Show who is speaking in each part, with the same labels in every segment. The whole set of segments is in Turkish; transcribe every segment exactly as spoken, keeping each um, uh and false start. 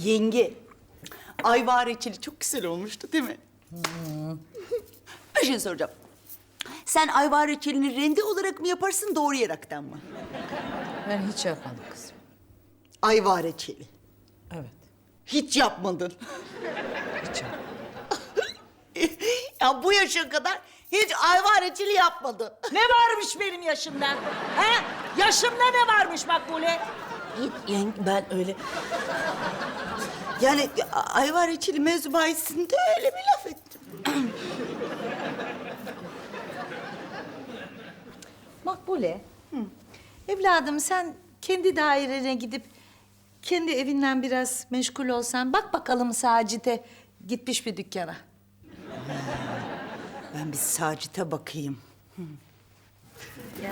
Speaker 1: Yenge, ayva reçeli çok güzel olmuştu değil mi? Hmm. Bir şey soracağım. Sen ayva reçelini rende olarak mı yaparsın, doğrayaraktan mı?
Speaker 2: Ben hiç yapmadım kızım.
Speaker 1: Ayva reçeli.
Speaker 2: Evet,
Speaker 1: Hiç yapmadın.
Speaker 2: hiç yapmadım.
Speaker 1: Ya bu yaşa kadar hiç ayva reçeli yapmadın.
Speaker 2: Ne varmış benim yaşımda? He? Yaşımda ne varmış Makbule?
Speaker 1: Hiç yenge, ben öyle... Yani ayva reçeli mevzu bahisinde öyle bir laf ettim.
Speaker 2: Makbule, evladım sen kendi dairene gidip kendi evinden biraz meşgul olsan, bak bakalım Sacit'e gitmiş bir dükkana.
Speaker 1: Ben bir Sacit'e bakayım.
Speaker 2: Ya.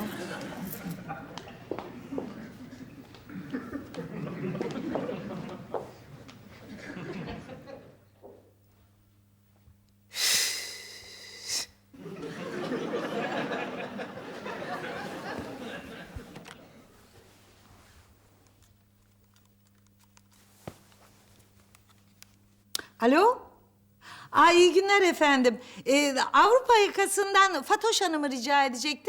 Speaker 2: Alo? Aa, iyi günler efendim. Ee, Avrupa yakasından Fatoş Hanım'ı rica edecektim.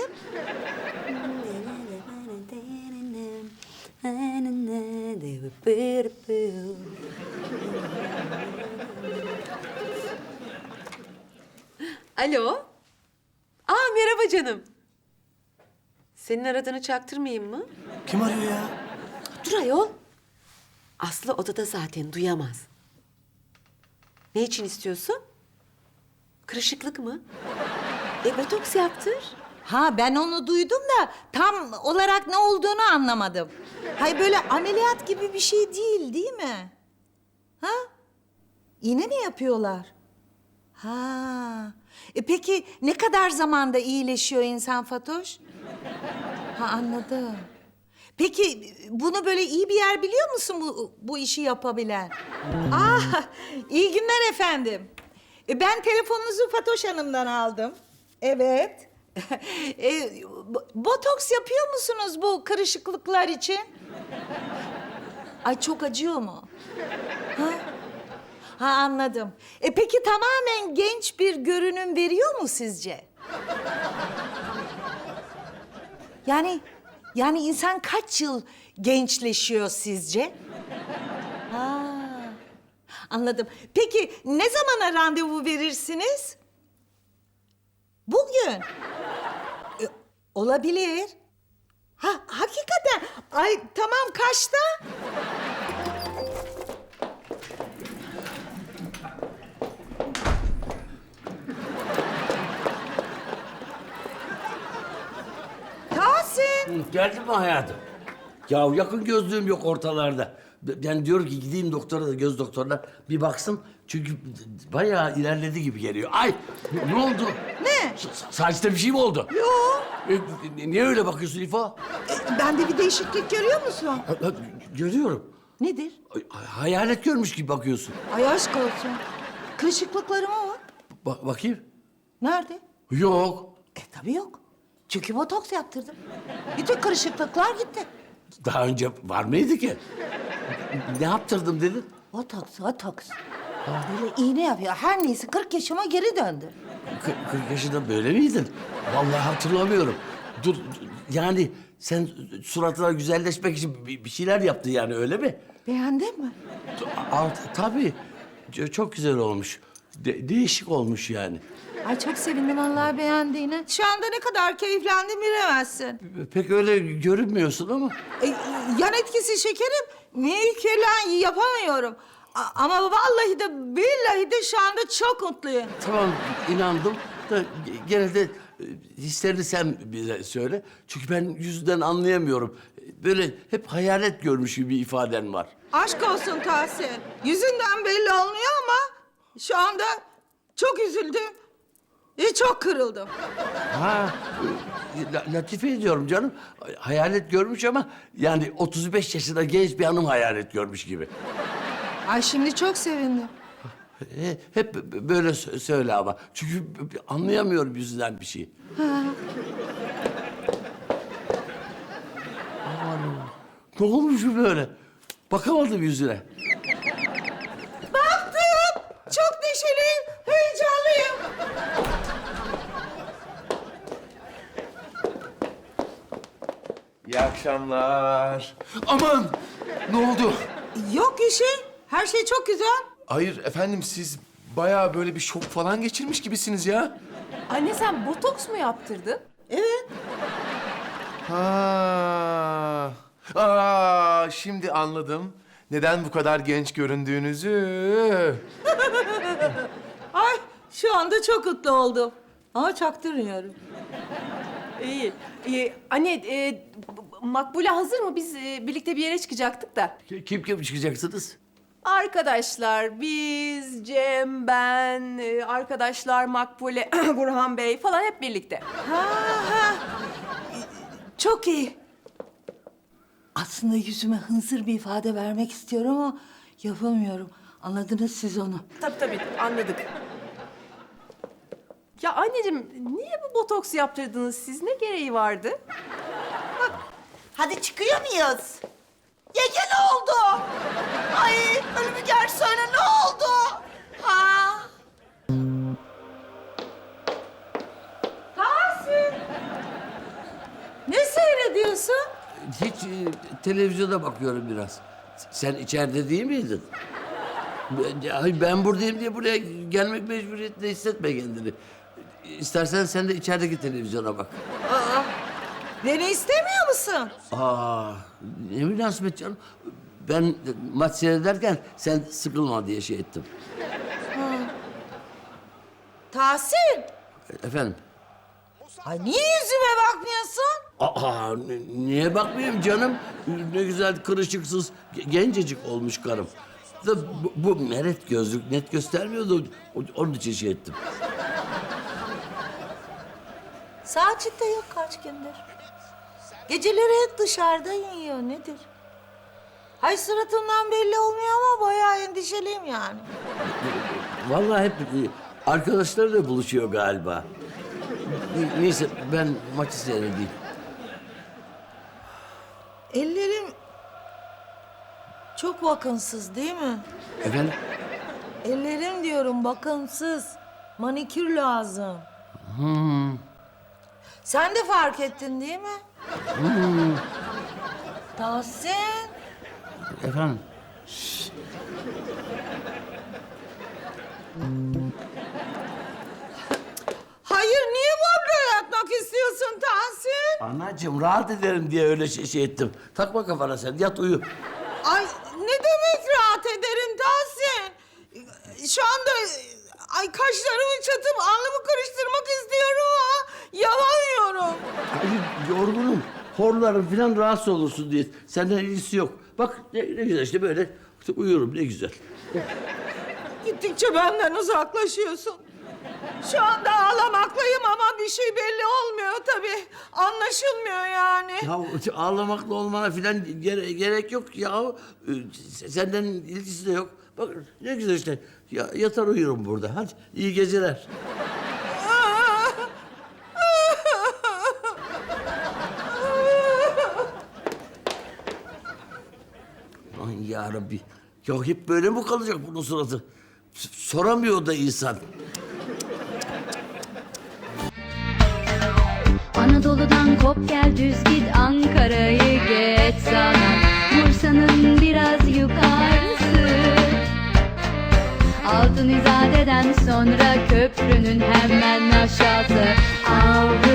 Speaker 3: Alo. Aa merhaba canım. Senin aradığını çaktırmayayım mı?
Speaker 4: Kim arıyor ya?
Speaker 3: Dur ayol. Aslı odada zaten duyamaz. Ne için istiyorsun? Kırışıklık mı? E botoks yaptır.
Speaker 2: Ha, ben onu duydum da tam olarak ne olduğunu anlamadım. Hayır, böyle ameliyat gibi bir şey değil, değil mi? Ha? İğne mi yapıyorlar? Ha. E peki ne kadar zamanda iyileşiyor insan Fatoş? Ha, anladım. Peki bunu böyle iyi bir yer biliyor musun bu, bu işi yapabilen? Ah, iyi günler efendim. E, ben telefonunuzu Fatoş Hanım'dan aldım. Evet. e, bo- botoks yapıyor musunuz bu kırışıklıklar için? Ay, çok acıyor mu? Ha? Ha, anladım. E peki tamamen genç bir görünüm veriyor mu sizce? Yani yani insan kaç yıl gençleşiyor sizce? Ha, anladım. Peki ne zamana randevu verirsiniz? Bugün. E, olabilir. Ha, hakikaten. Ay, tamam, kaçta? Tahsin.
Speaker 4: Geldin mi hayatım? Ya yakın gözlüğüm yok ortalarda. Ben diyorum ki gideyim doktora da, göz doktoruna bir baksın. Çünkü bayağı ilerledi gibi geliyor. Ay, ne oldu?
Speaker 2: Ne?
Speaker 4: S- Saçta bir şey mi oldu?
Speaker 2: Yok.
Speaker 4: E, niye öyle bakıyorsun İfo?
Speaker 2: E, bende bir değişiklik görüyor musun?
Speaker 4: Ha, ha, görüyorum.
Speaker 2: Nedir?
Speaker 4: Ay, hayalet görmüş gibi bakıyorsun.
Speaker 2: Ay, aşk olsun. Kırışıklıklarıma bak.
Speaker 4: Bak bakayım.
Speaker 2: Nerede?
Speaker 4: Yok.
Speaker 2: E tabii yok. Çünkü botoks yaptırdım. Bütün kırışıklıklar gitti.
Speaker 4: Daha önce var mıydı ki? Ne yaptırdım dedin?
Speaker 2: Botoks, botoks. Böyle iğne yapıyor. Her neyse kırk yaşıma geri döndü.
Speaker 4: Kı- kırk yaşında böyle miydin? Vallahi hatırlamıyorum. Dur, yani sen suratına güzelleşmek için bir bir şeyler yaptın yani, öyle mi?
Speaker 2: Beğendin mi?
Speaker 4: Aa, tabii. C- Çok güzel olmuş. De- değişik olmuş yani.
Speaker 2: Ay, çok sevindim vallahi beğendiğine. Şu anda ne kadar keyiflendim bilemezsin.
Speaker 4: Pek öyle görünmüyorsun ama.
Speaker 2: E, yan etkisi şekerim. Mimiklerle yapamıyorum. A- ama vallahi de billahi de şu anda çok mutluyum.
Speaker 4: Tamam, inandım da gene de e, hislerini sen bize söyle. Çünkü ben yüzünden anlayamıyorum. Böyle hep hayalet görmüş gibi bir ifaden var.
Speaker 2: Aşk olsun Tahsin. Yüzünden belli olmuyor ama şu anda çok üzüldüm. E, çok kırıldım.
Speaker 4: Ha, e, la- latife ediyorum canım. Hayalet görmüş ama yani otuz beş yaşında genç bir hanım hayalet görmüş gibi.
Speaker 2: Ay, şimdi çok sevindim.
Speaker 4: E, Hep böyle sö- söyle ama. Çünkü anlayamıyorum yüzünden bir şey. Aman, ne olmuş bu böyle? Bakamadım yüzüne.
Speaker 2: neşeliyim, heyecanlıyım.
Speaker 5: İyi akşamlar. Aman! Ne oldu?
Speaker 2: Yok bir şey. Her şey çok güzel.
Speaker 5: Hayır efendim, siz bayağı böyle bir şok falan geçirmiş gibisiniz ya.
Speaker 6: Anne sen botoks mu yaptırdın?
Speaker 2: Evet.
Speaker 5: Ha. Aa, şimdi anladım. Neden bu kadar genç göründüğünüzü.
Speaker 2: Ay şu anda çok mutlu oldum. Ama çaktırmıyorum.
Speaker 6: İyi. Ee, anne e, b- b- Makbule hazır mı? Biz e, birlikte bir yere çıkacaktık da.
Speaker 4: Kim kim çıkacaksınız?
Speaker 6: Arkadaşlar biz, Cem, ben, e, arkadaşlar Makbule, Burhan Bey falan hep birlikte.
Speaker 2: Ha ha. Çok iyi. Aslında yüzüme hınzır bir ifade vermek istiyorum ama yapamıyorum. Anladınız siz onu.
Speaker 6: Tabii tabii anladık. Ya anneciğim niye bu botoks yaptırdınız siz? Ne gereği vardı?
Speaker 1: Hadi çıkıyor muyuz? Yenge ne oldu? Ay ölümü gel söyle ne oldu? Ha?
Speaker 2: Ne seyrediyorsun?
Speaker 4: Hiç e, televizyona bakıyorum biraz. Sen içeride değil miydin? Ben, ay, ben buradayım diye buraya gelmek mecburiyetinde hissetme kendini. İstersen sen de içerideki televizyona bak.
Speaker 2: Beni istemiyor musun?
Speaker 4: Aa, ne münasebet canım. Ben maç seyrederken sen sıkılma diye şey ettim.
Speaker 2: Tahsin.
Speaker 4: Efendim?
Speaker 2: Ay niye yüzüme bakmıyorsun?
Speaker 4: Aa, n- niye bakmayayım canım? Ne güzel kırışıksız, ge- gencecik olmuş karım. Da bu, bu meret gözlük net göstermiyordu. O- Onun için şey ettim.
Speaker 2: Saçit de yok kaç gündür. Geceleri hep dışarıda yiyor nedir? Hay suratımdan belli olmuyor ama bayağı endişeliyim yani.
Speaker 4: Vallahi hep e, arkadaşlarıyla buluşuyor galiba. N- Neyse ben maçı seyredeyim.
Speaker 2: Ellerim çok bakımsız değil mi?
Speaker 4: Efendim?
Speaker 2: Ellerim diyorum bakımsız. Manikür lazım. Sen de fark ettin değil mi? Tahsin.
Speaker 4: Efendim?
Speaker 2: Hayır niye burada yatmak istiyorsun Tahsin?
Speaker 4: Anacığım rahat ederim diye öyle şey, şey ettim. Takma kafana sen yat uyu.
Speaker 2: Ay ne demek rahat ederim Tahsin? Şu anda ay kaşlarımı çatıp alnımı karıştırmak istiyorum ama yapamıyorum.
Speaker 4: Hayır yorgunum. Horlarım falan rahatsız olursun diye. Senden ilgisi yok. Bak ne, ne güzel işte böyle işte uyuyorum ne güzel.
Speaker 2: Gittikçe benden uzaklaşıyorsun. Şu anda ağlamaklıyım ama bir şey belli olmuyor tabii. Anlaşılmıyor yani.
Speaker 4: Ya ağlamakla olmana falan gere- gerek yok ya. Ee, Senden ilgisi de yok. Bak ne güzel işte. Ya, yatar uyurum burada. Hadi iyi geceler. Aman ya Rabbi. Ya hep böyle mi kalacak bunun suratı? S- Soramıyor da insan.
Speaker 7: Anadolu'dan kop gel düz git Ankara'yı geç sana Bursa'nın biraz yukarısı Altın İzade'den sonra köprünün hemen aşağısı Avrupa